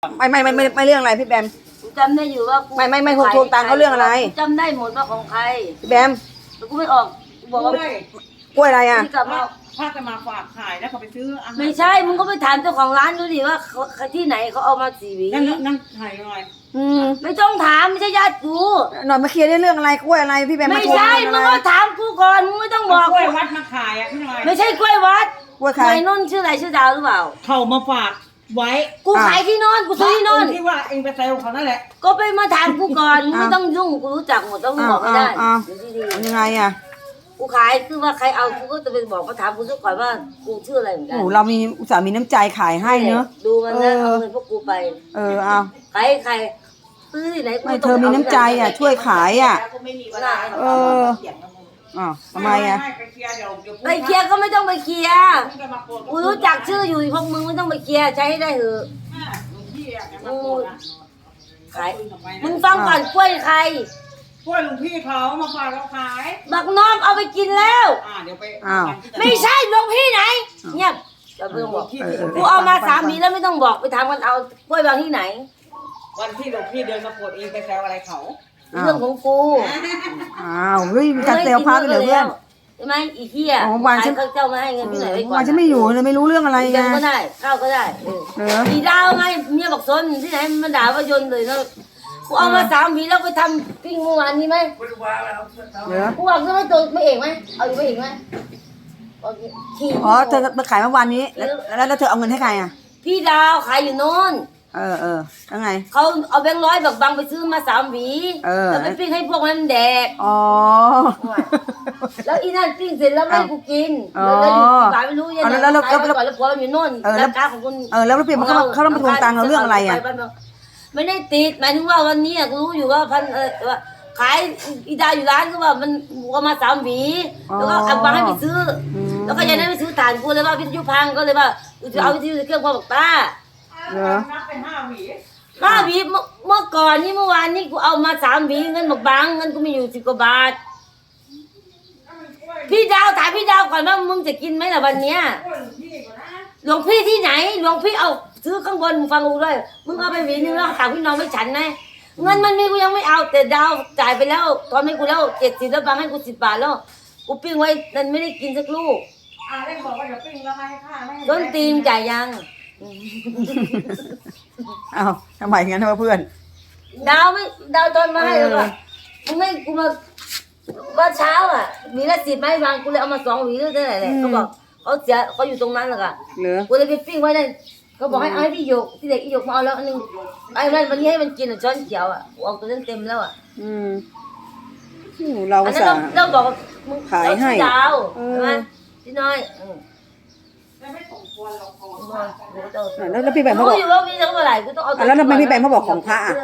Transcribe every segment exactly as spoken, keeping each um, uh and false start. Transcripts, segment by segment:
ไม่ไม่ไม่ไม่ไม่เรื่องอะไรพี่แบมกูจำได้อยู่ว่าไม่ไม่ไม่ทวงทวงตังค์เขาเรื่องอะไรจำได้หมดว่าของใครพี่แบมแต่กูไม่ออกกูบอกว่ากล้วยอะไรอ่ะที่กลับมาถ้าจะมาฝากขายแล้วเขาไปซื้ออาหารไม่ใช่มึงก็ไปถามเจ้าของร้านดูดิว่าที่ไหนเขาเอามาสีหวีนั่นนั่นถ่ายหน่อยอืมไม่ต้องถามไม่ใช่ญาติกูหน่อยมาเคลียร์ได้เรื่องอะไรกล้วยอะไรพี่แบมไม่ใช่มึงก็ถามกูก่อนมึงไม่ต้องบอกกล้วยวัดมาขายอ่ะพี่หน่อยไม่ใช่กล้วยวัดกล้วยใครนนท์ชื่ออะไรชื่อดาวหรือเปล่าเขามาฝากไว้กูขายที่นนท์กูซื้อที่นนท์ที่ว่าเองไปเซลเขานั่นแหละก็ไปมาถามกูก่อนมึงไม่ต้องยุ่งกูรู้จักหมดต้องบอกไม่ได้ยังไงอ่ะกูขายคือว่าใครเอากูก็จะไปบอกเขาถามกูซะก่อนว่ากูชื่ออะไรเหมือนกันโอ้เรามีอุตส่าห์มีน้ำใจขายให้เนอะดูมันนะเอาเงินพวกกูไปเออเอาใครใครซื้อที่ไหนไม่เธอมีน้ำใจอ่ะช่วยขายอ่ะเอออ๋อทำไมอ่ะไปเคลียร์ก็ไม่ต้องไปเคลียร์กูรู้จักชื่ออยู่พวกมึงไม่ต้องไปเคลียร์ใช้ให้ได้เถอะขายมึงฟังก่อนกล้วยใครกล้วยหลวงพี่เขามาฝากเราขายบักน้อมเอาไปกินแล้วอ่าเดี๋ยวไปไม่ใช่หลวงพี่ไหนเงียบจะไม่ต้องบอกกูเอามาสามปีแล้วไม่ต้องบอกไปทำกันเอากล้วยบางที่ไหนวันที่หลวงพี่เดินมาปวดเองไปแซวอะไรเขาเรื่องของกูอ้าวเฮ้ยมีการเซลพาไปเลยเพื่อนใช่ไหมอีเหี้ยวันฉันเจ้ามาให้เงินพี่ไหนไว้ก่อนวันฉันไม่อยู่เลยไม่รู้เรื่องอะไรไงก็ได้ข้าวก็ได้เอออีดาวไงเมียบอกซนที่ไหนมันด่าว่ายนเลยนะกูเอามาสามปีแล้วไปทำปิ้งเมื่อวานนี้ไหมกูบอกจะไม่ตัวไม่เอกไหมเอาอยู่ไม่เอกไหมอ๋อเธอมาขายเมื่อวานนี้แล้วแล้วเธอเอาเงินให้ใครอ่ะพี่ดาวขายอยู่โน่นเออเออแล้วไงเขาเอาแบงค์ร้อยแบบบังไปซื้อมาสามหวีแล้วไปปิ้งให้พวกนั้นแดกอ๋อแล้วอีนั่นปิ้งเสร็จแล้วไม่กูกินแล้วอยู่บ้านไม่รู้ยังไงแล้วแล้วแล้วแล้วพอเราอยู่โน่นแล้วการของคุณเออแล้วเปลี่ยนเขาเขาต้องมาทวงตังค์เราเรื่องอะไรอ่ะไม่ได้ติดหมายถึงว่าวันนี้กูรู้อยู่ว่าพันเออว่าขายอีดาอยู่ร้านก็ว่ามันก็มาสามหวีแล้วก็เอาบังให้ไปซื้อแล้วก็ยังได้ไปซื้อถ่านกูเลยว่าวิทยุพังก็เลยว่ากูจะเอาวิทยุเครื่องพ่อบอกป้าเหรอนับเป็นห้าหวีห้าหวีเมื่อก่อนนี่เมื่อวานนี่กูเอามาสามหวีเงินบอกบังเงินกูมีอยู่สิบกว่าบาทพี่ดาวถามพี่ดาวก่อนว่ามึงจะกินไหมล่ะวันเนี้ยหลวงพี่ที่ไหนหลวงพี่เอาซื้อข้างบนมึงฟังกูด้วยมึงเอาไปหวีนึงแล้วถามพี่น้องไม่ฉันไหมเงินมันมีกูยังไม่เอาแต่ดาวจ่ายไปแล้วตอนให้กูแล้วเจ็ดสิบแล้วบังให้กูสิบบาทแล้วกูปิ้งไว้นั่นไม่ได้กินสักลูกอ่าได้บอกว่าเดี๋ยวปิ้งแล้วให้ค่าไม่ต้นตีมจ่ายยังอ้าวทำไมงั้นวะเพื่อนดาวไม่ดาวตอนมาให้แล้วก็มึงไม่กูมาว่าเช้าอ่ะมีละสิบไหมบางกูเลยเอามาสองหวีหรือเท่าไหร่เลยเขาบอกเขาเสียเขาอยู่ตรงนั้นแหละค่ะกูเลยไปปิ้งไว้นั่นเขาบอกให้เอาให้พี่หยกพี่เด็กพี่หยกมาเอาแล้วอันนึงไอ้นั่นวันนี้ให้มันกินอ่ะช้อนเขียวอ่ะเอาตัวนั้นเต็มแล้วอ่ะอืมเราอันนั้นเราบอกมึงขายให้ดาวใช่ไหมพี่น้อยไม่สมควรหรอกแล้วแล้วพี่แบมเขาบอกอยู่ว่าพี่จะเมื่อไหร่ก็ต้องเอาแล้วทำไมพี่แบมเขาบอกของพระอ่ะ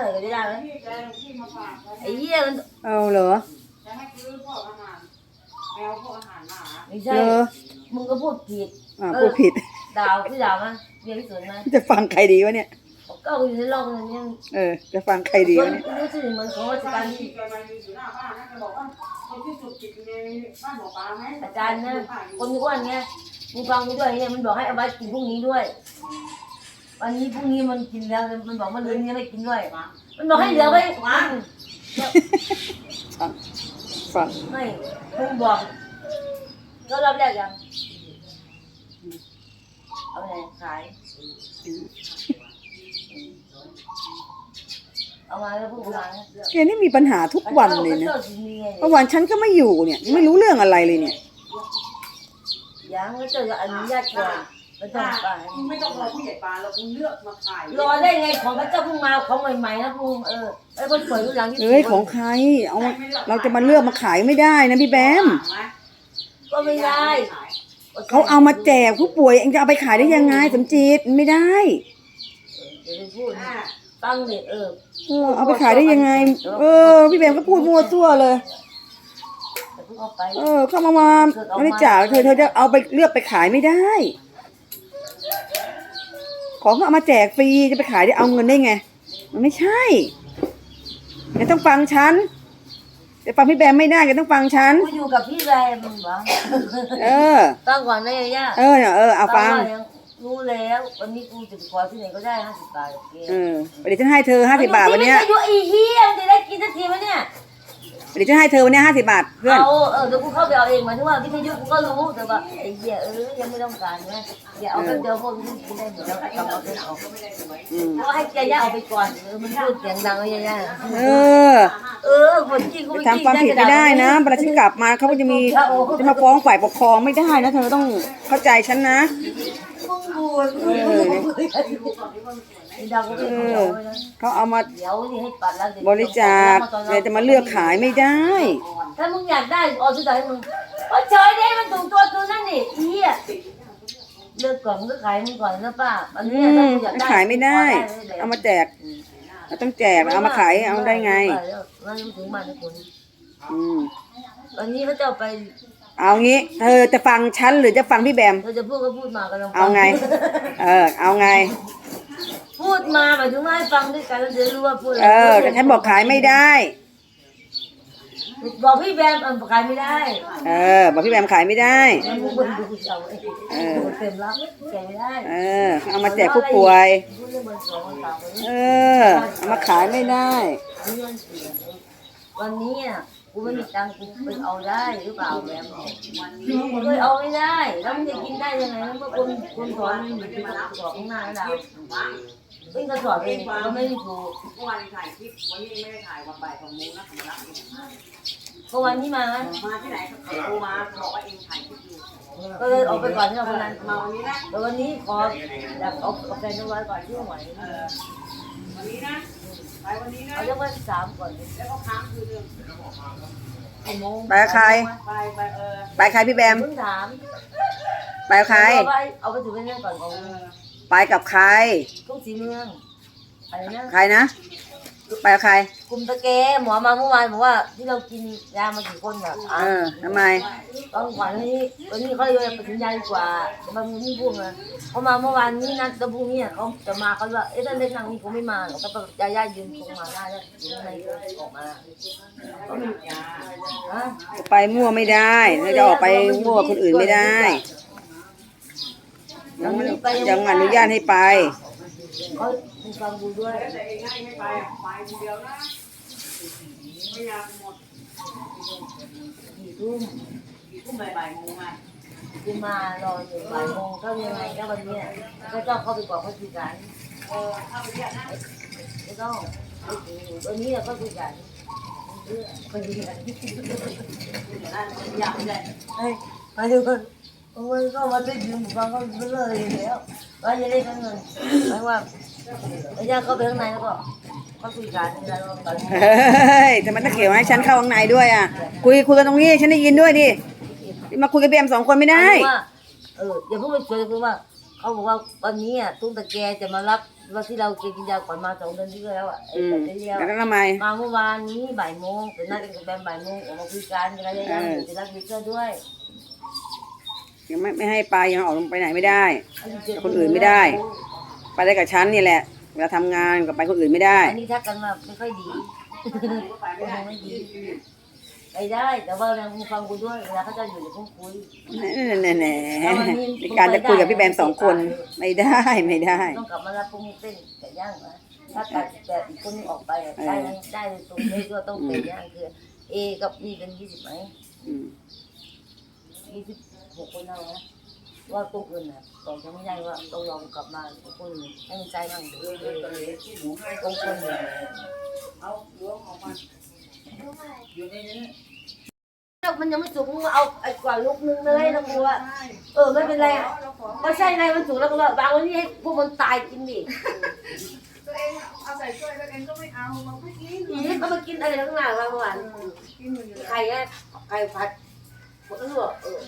ไอ้เหี้ยมันเอาเหรอจะให้ซื้อพวกอาหารแมวพวกอาหารหมาไม่ใช่มึงก็พูดผิดอ่าพูดผิดดาวพี่ดาวมั้ยเรียนที่สวนมั้ยจะฟังใครดีวะเนี่ยก็อยู่ในโลกนี้เออจะฟังใครดีวะเนี่ยรู้สึกเหมือนของราชการที่กำลังอยู่หน้าบ้านนะจะบอกว่าคนที่สุดจิตในบ้านหมอปลาไหมอาจารย์นะคนอ้วนเงี้ยมึงฟังกูด้วยเนี่ยมันบอกให้เอาไว้กินพรุ่งนี้ด้วยวันนี้พรุ่งนี้มันกินแล้วมันบอกมันลืมนี้ไม่กินด้วยมันบอกให้เหลือไว้ฟังฟังไม่มึงบอกก็รอบแรกยังเอาไปไหนขายเอามาแล้วพวกร้านแกนี่มีปัญหาทุกวันเลยนะเมื่อวานฉันก็ไม่อยู่เนี่ยไม่รู้เรื่องอะไรเลยเนี่ยยังก็เจออนุญาตก่อนไม่ต้องไปไม่ต้องรอผู้ใหญ่ปลาเราคุณเลือกมาขายรอได้ไงของพระเจ้าเพิ่งมาของใหม่ๆนะพุ่งเออไอ้คนสวยรุ่นหลังที่เอ้ยของใครเอาเราจะมาเลือกมาขายไม่ได้นะพี่แบมก็ไม่ได้เขาเอามาแจกผู้ป่วยเองจะเอาไปขายได้ยังไงสมจิตไม่ได้เดี๋ยวพูดตั้งเด็กเออเออเอาไปขายได้ยังไงเออพี่แบมก็พูดมั่วซั่วเลยเออเข้ามามาบริจาคเธอเธอจะเอาไปเลือกไปขายไม่ได้ของเขาเอามาแจกฟรีจะไปขายได้เอาเงินได้ไงมันไม่ใช่แกต้องฟังฉันแต่ฟังพี่แบมไม่ได้แกต้องฟังฉันกูอยู่กับพี่แบมมึงเหรอเออฟังก่อนนะย่าเออเออเอาฟังมรู้แล้ววันนี้กูจะไปขอที่ไหนก็ได้ห้าสิบบาทโอเคเออเดี๋ยวฉันให้เธอห้าสิบบาทวันเนี้ยอายุอีเหี้ยจะได้กินสักทีไหมเนี่ยเดี๋ยวฉันให้เธอวันเนี้ยห้าสิบบาทเพื่อนเอาเออเดี๋ยวกูเข้าไปเอาเองหมายถึงว่าวิทยุกูก็รู้แต่ว่าไอ้เหี้ยเออยังไม่ต้องการนะอย่าเอาไปเดี๋ยวพวกนี้กินได้หมดแล้วกลับเอาไปเอาอืมก็ให้แกย่าเอาไปก่อนเออมันพูดเสียงดังเลยย่าเออเออคนจริงกูไปไม่ทำความผิดไม่ได้นะเวลาฉันกลับมาเขาก็จะมีจะมาฟ้องฝ่ายปกครองไม่ได้นะเธอต้องเข้าใจฉันนะมึงบูดเออไอ้ดาวก็เอไม่อเอาเลยนะเขาเอามาเดี๋ยวนี่ให้ปัดแล้วเดี๋ยวบริจาคแต่จะมาเลือกขายไม่ได้ถ้ามึงอยากได้เอาซื้อได้ให้มึงโอ้เฉยดิมันถูกตัวตัวนั่นนี่อีอ่ะเลือกก่อนมึงก็ขายมึงก่อนนะป้าอันอืนี้มถ้ามึงอยากได้ขายไม่ได้ เอามาแจกเราต้องแจกเอามาขายเอาได้ไงมันถึงบ้านทุกคนอืมวันนี้เขาจะเอาไปเอางี้เธอจะฟังฉันหรือจะฟังพี่แบมเราจะพูดก็พูดมากันลองเอาไง เออ เอาไงพูดมาหมายถึงว่าให้ฟังด้วยกันแล้วจะรู้ว่าพูดอะไรเออแต่ฉันบอกขายไม่ได้บอกพี่แบมเออขายไม่ได้เออ บอกพี่แบมขายไม่ได้มันมึงคนดูเอาเองเออเต็มรับแกไม่ได้เออ เอามาแจกผู้ป่วยพูดเรื่องเบอร์สองคนสามคนเออ เอามาขายไม่ได้วันนี้อ่ะกูไม่มีตังค์กูไปเอาได้หรือเปล่าแบมกูเคยเอาไม่ได้แล้วมึงจะกินได้ยังไงแล้วก็คนคนสอนมันอยู่ที่สอบข้างหน้าแล้วเป็นกระสอบเองก็ไม่ได้ถูกเมื่อวานถ่ายคลิปวันนี้ไม่ได้ถ่ายวันบ่ายสองโมงนะผมรับเองก็วันที่มามาที่ไหนโทรมาบอกว่าเองถ่ายคลิปอยู่ก็เลยออกไปก่อนที่เราคนนั้นมาวันนี้นะแต่วันนี้ขออยากเอาแฟนเอาไว้ก่อนที่ไหวเออวันนี้นะไปวันนี้นะเอาเรื่องวันสามก่อนแล้วก็ค้างคืนนึงกี่โมงไปกับใครไปไปเออไปใครพี่แบมเพิ่งถามไปกับใครเอาไปเอาไปถึงเรื่องก่อนของเออไปกับใครทุ่งสีเมืองอะไรนะใครนะ ไปกับใครกลุ่มตะแกหมอมาเมื่อวานบอกว่าที่เรากินยามากี่คนอ่ะเออทำไมต้องขวัญวันนี้วันนี้เขาเลยไปถึงยาดีกว่าจะมาไม่พูดนะเขามาเมื่อวานนี้นัดตะพรุ่งนี้เขาจะมาเขาว่าเอ๊ะถ้าเล่นทางนี้คงไม่มาหรอกถ้ายาย่ายืนคงมาได้แล้วอยู่ในออกมาก็ไม่ฮะไปมั่วไม่ได้เราจะออกไปมั่วคนอื่นไม่ได้ยังยังอนุญาตให้ไปเขาฟังดูด้วยแต่เองให้ไม่ไปไปคนเดียวนะไม่อยากหมดกี่ทุ่มกี่ทุ่มบ่ายโมงอ่ะคือมารออยู่บ่ายโมงก็ยังไงก็วันนี้ก็ต้องเข้าไปบอกเขาคุยกันเออเข้าไปเรียกนะไม่ต้องวันนี้เราก็คุยกันคุยกันอยากไปเลยเฮ้ยมาดูกันมันก็มาได้ยืมฟังก็เลยแล้วว่าจะได้เงินหมายว่าไอ้ย่าเข้าไปข้างในแล้วก็ก็คุยกันอะไรกันเฮ้ยทำไมต้องเกี่ยวให้ฉันเข้าข้างในด้วยอ่ะ คุยคุยกันตรงนี้ฉันได้ยินด้วยดิมาคุยกับพี่แอมสองคนไม่ได้ว่าเอออย่าเพิ่งไปชวนคือว่าเขาบอกว่าวันนี้อ่ะตุ้งตะแกจะมารับว่าที่เรากินยาก่อนมาสองเดือนที่แล้วอ่ะอืมแต่ที่แล้วแล้วทำไมมาเมื่อวานนี้บ่ายโมงเป็นนัดกันกับแบมบ่ายโมงออกมาคุยกันอะไรอย่างเงี้ยจะรับมิเตอร์ด้วยยังไม่ไม่ให้ไปยังออกไปไหนไม่ได้ คนอื่นไม่ได้ ไปได้กับฉันนี่แหละเวลาทำงานกับไปคนอื่นไม่ได้อันนี้ทักกันมาไม่ค่อยดีไม่ดีไปได้แต่ว่าเราฟังกูด้วยเวลาเขาจะอยู่ในห้องคุยแน่แน่ในการจะคุยกับพี่แบมสองคนไม่ได้ไม่ได้ต้องกลับมารับพรุ่งนี้เต้นไก่ย่างนะถ้าตัดแต่อีกคนออกไปได้ได้ตรงนี้ก็ต้องเป็นย่างคือเอกับมีเป็นยี่สิบไหมอืมยี่สิบหกคนเอานะว่าตรงอื่นน่ะตอนจะไม่ได้ว่าต้องลองกลับมาคนให้มันใจบ้างตรงคนเนี่ยเอาล้วงออกมาอยู่ในนี้มันยังไม่สุกมึงเอาไอ้กว่าลูกนึงเลยนะกูว่าเออไม่เป็นไรก็ใช่ไงมันสุกแล้วก็ว่าบางวันนี้ให้พวกมันตายกินดิตัวเองเอาใส่ถ้วยตัวเองก็ไม่เอามันไม่กินอีเขามากินอะไรทั้งหลายมาเมื่อวานกินอยู่เลยไข่อะไข่ผัดหมดแล้วเหรอเออ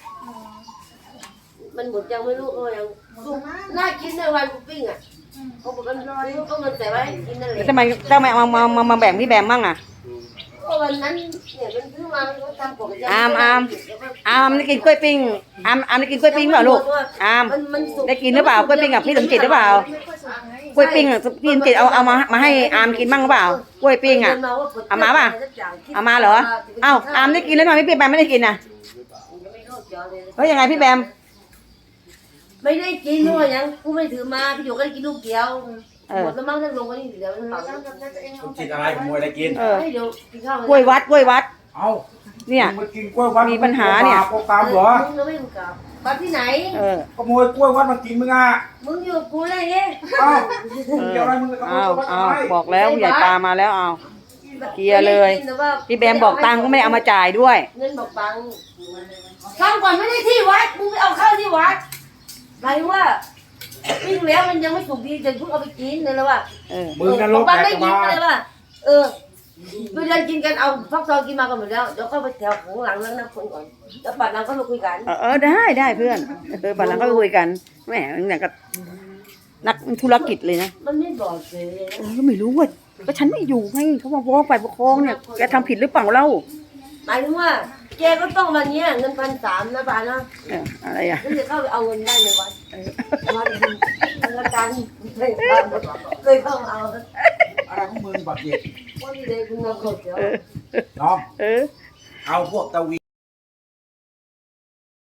มันหมดยังไม่รู้เออยังสุกน่ากินในวันกูปิ้งอ่ะเขาบอกกันรอนี่ก็มันแต่ว่าให้กินนั่นแหละทำไมทำไมเอามามามาแบ่งพี่แบมบ้างอ่ะก็วันนั้นเนี่ยมันซื้อมามันก็ทำปกติอามอาม อามได้กินกล้วยปิ้งอามอามได้กินกล้วยปิ้งเปล่าลูกอามมันมันสุกได้กินหรือเปล่ากล้วยปิ้งกับพี่สมจิตหรือเปล่ากล้วยปิ้งอ่ะพี่สมจิตเอาเอามามาให้อามกินบ้างหรือเปล่ากล้วยปิ้งอ่ะ เอามาป่ะ เอามาเหรอเอ้าอามได้กินแล้วทำไมพี่แบมไม่ได้กินอ่ะเฮ้ยยังไงพี่แบมไม่ได้กินเพราะว่ายังกูไม่ถือมาพี่หยกก็ได้กินลูกเดียวหมดแล้วมั้งนั่งลงกันนี่เดี๋ยวมันเผาสมจิตอะไรขโมยอะไรกินเออให้เดี๋ยวกินข้าวกล้วยวัดกล้วยวัดเอ้าเนี่ยมึงมากินกล้วยวัดมีปัญหาเนี่ยโกตามเหรอมึงก็ไม่อยู่กับบ้านที่ไหนเออขโมยกล้วยวัดมากินมึงอ่ะมึงอยู่กับกูได้ไงเอ้าเออเกี่ยวอะไรมึงกับขโมยเอากล้วยวัดเอาทำไมบอกแล้วผู้ใหญ่ปลามาแล้วเอา เคลียร์เลย พี่แบมบอกตังค์ก็ไม่ได้เอามาจ่ายด้วยเงินบอกตังค์ฟังก่อนไม่ได้ที่วัดมึงไปเอาเข้าที่วัดหมายถึงว่าปิ้งแล้วมันยังไม่สุกดีจะเพิ่งเอาไปกินเลยแล้วว่าเออมึงนรกบ้านแตไม่กกินมาเลยว่าเออไปเดินกินกันเอาฟักทองกินมากันหมดแล้วเดี๋ยวเข้าไปแถวข้างหลังแล้วนะคนก่อนแล้วปัดหลังก็มาคุยกันเออเออได้ได้เพื่อนเออปันหลังก็คุยกันแหมเนี่ยก็นักธุรกิจเลยนะมันไม่บอกเลยเออก็ไม่รู้ว่าก็ฉันไม่อยู่ไงเขามาฟ้องฝ่ายปกครองเนี่ยแกทำผิดหรือเปล่าเล่าหมายถึงว่าแกก็ต้องมาเนี้ยเงินพันสามนะบ้านนะเอออะไรอ่ะแล้วจะเข้าไปเอาเงินได้ในวัดเออวัดธนาคารเคยเข้าเคยเข้าเอาอะไรของมึงบักเย็ดวันนี้เลยคุณมาขอเดี๋ยวเออน้องเออเอาพวกตะวี